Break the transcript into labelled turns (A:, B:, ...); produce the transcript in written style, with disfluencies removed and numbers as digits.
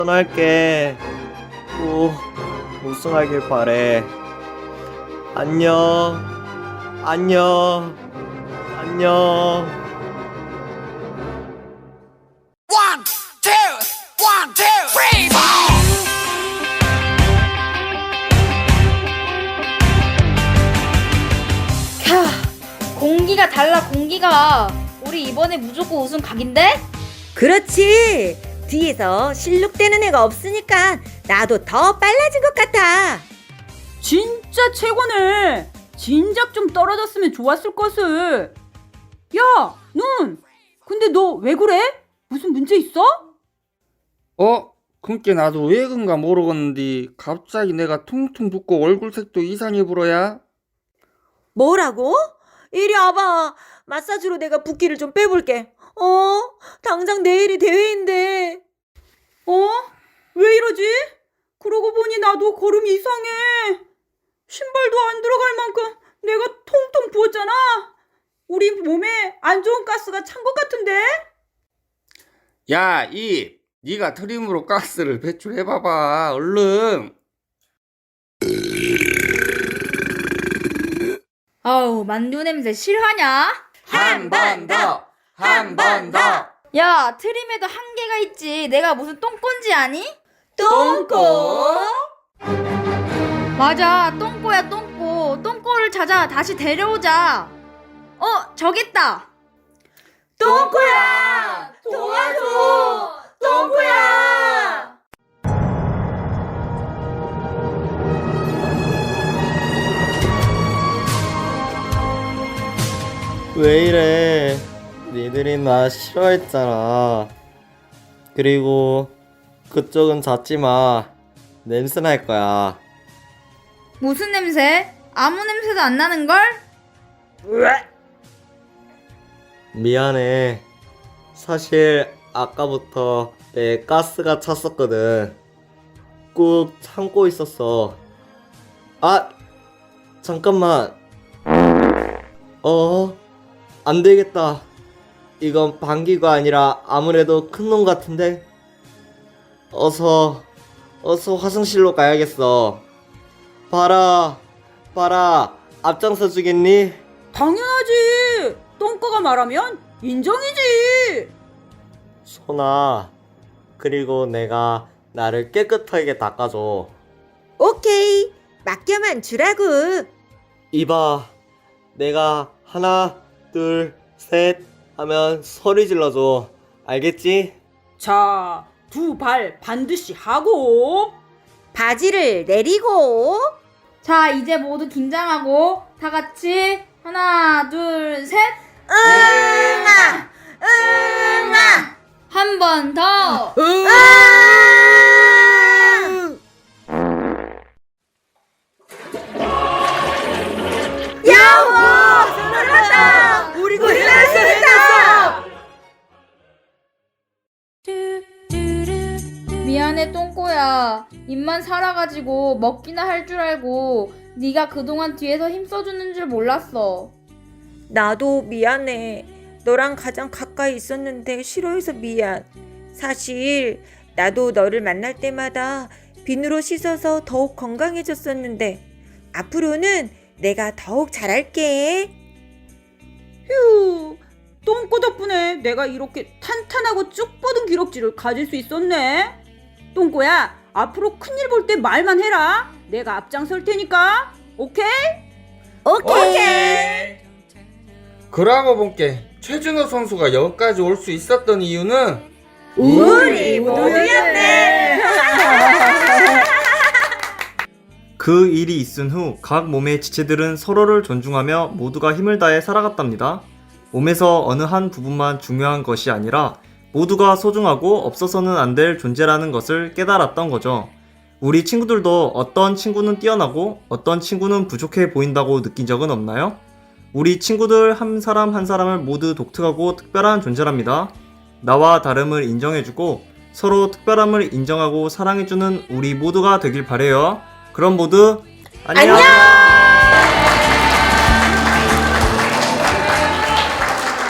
A: 할게. 꼭 우승하길 바래. 안녕. 안녕. 안녕.
B: One, two, one, two, three, four.
C: 캬, 공기가 달라 공기가. 우리 이번에 무조건 우승 각인데?
D: 그렇지. 뒤에서 실룩대는 애가 없으니까 나도 더 빨라진 것 같아.
E: 진짜 최고네. 진작 좀 떨어졌으면 좋았을 것을. 야, 눈. 근데 너 왜 그래? 무슨 문제 있어?
F: 그니까 나도 왜 그런가 모르겠는데 갑자기 내가 퉁퉁 붓고 얼굴색도 이상해 불어야.
D: 뭐라고? 이리 와봐. 마사지로 내가 붓기를 좀 빼볼게. 당장 내일이 대회인데.
E: 왜 이러지? 그러고 보니 나도 걸음이 이상해. 신발도 안 들어갈 만큼 내가 통통 부었잖아. 우리 몸에 안 좋은 가스가 찬 것 같은데?
F: 야, 네가 트림으로 가스를 배출해봐봐 얼른.
C: 아우, 만두 냄새 실화냐?
F: 한 번 더, 한 번 더.
C: 야, 트림에도 한계가 있지. 내가 무슨 똥꼬인지 아니?
D: 똥꼬?
C: 맞아, 똥꼬야 똥꼬. 똥꼬를 찾아 다시 데려오자. 저기 있다.
D: 똥꼬야! 도와줘! 똥꼬야!
A: 왜 이래? 니들이 나 싫어했잖아. 그리고 그쪽은 잤지 마. 냄새 날 거야.
C: 무슨 냄새? 아무 냄새도 안 나는걸?
A: 미안해. 사실 아까부터 내 가스가 찼었거든. 꾹 참고 있었어. 잠깐만. 안 되겠다. 이건 방귀가 아니라 아무래도 큰 놈 같은데? 어서 화장실로 가야겠어. 봐라, 앞장서 주겠니?
E: 당연하지. 똥꼬가 말하면 인정이지.
A: 소나, 그리고 내가 나를 깨끗하게 닦아줘.
D: 오케이. 맡겨만 주라고.
A: 이봐, 내가 하나, 둘, 셋 하면 소리 질러줘. 알겠지?
E: 자, 두 발 반드시 하고.
D: 바지를 내리고.
C: 자, 이제 모두 긴장하고 다 같이 하나, 둘, 셋.
D: 응아! 응아!
C: 한 번 더.
D: 야호! 살았다! 우리 고릴라 살았다!
C: 미안해 똥꼬야. 입만 살아가지고 먹기나 할 줄 알고 네가 그동안 뒤에서 힘써주는 줄 몰랐어.
D: 나도 미안해. 너랑 가장 가까이 있었는데 싫어해서 미안. 사실 나도 너를 만날 때마다 비누로 씻어서 더욱 건강해졌었는데 앞으로는 내가 더욱 잘할게.
E: 휴, 똥꼬 덕분에 내가 이렇게 탄탄하고 쭉 뻗은 기럭지를 가질 수 있었네. 똥꼬야, 앞으로 큰일 볼 때 말만 해라. 내가 앞장설 테니까. 오케이?
D: 오케이.
F: 그러고 본게 최준호 선수가 여기까지 올 수 있었던 이유는
D: 우리 모두였네.
G: 그 일이 있은 후 각 몸의 지체들은 서로를 존중하며 모두가 힘을 다해 살아갔답니다. 몸에서 어느 한 부분만 중요한 것이 아니라 모두가 소중하고 없어서는 안 될 존재라는 것을 깨달았던 거죠. 우리 친구들도 어떤 친구는 뛰어나고 어떤 친구는 부족해 보인다고 느낀 적은 없나요? 우리 친구들 한 사람 한 사람을 모두 독특하고 특별한 존재랍니다. 나와 다름을 인정해주고 서로 특별함을 인정하고 사랑해주는 우리 모두가 되길 바래요. 그럼 모두 안녕!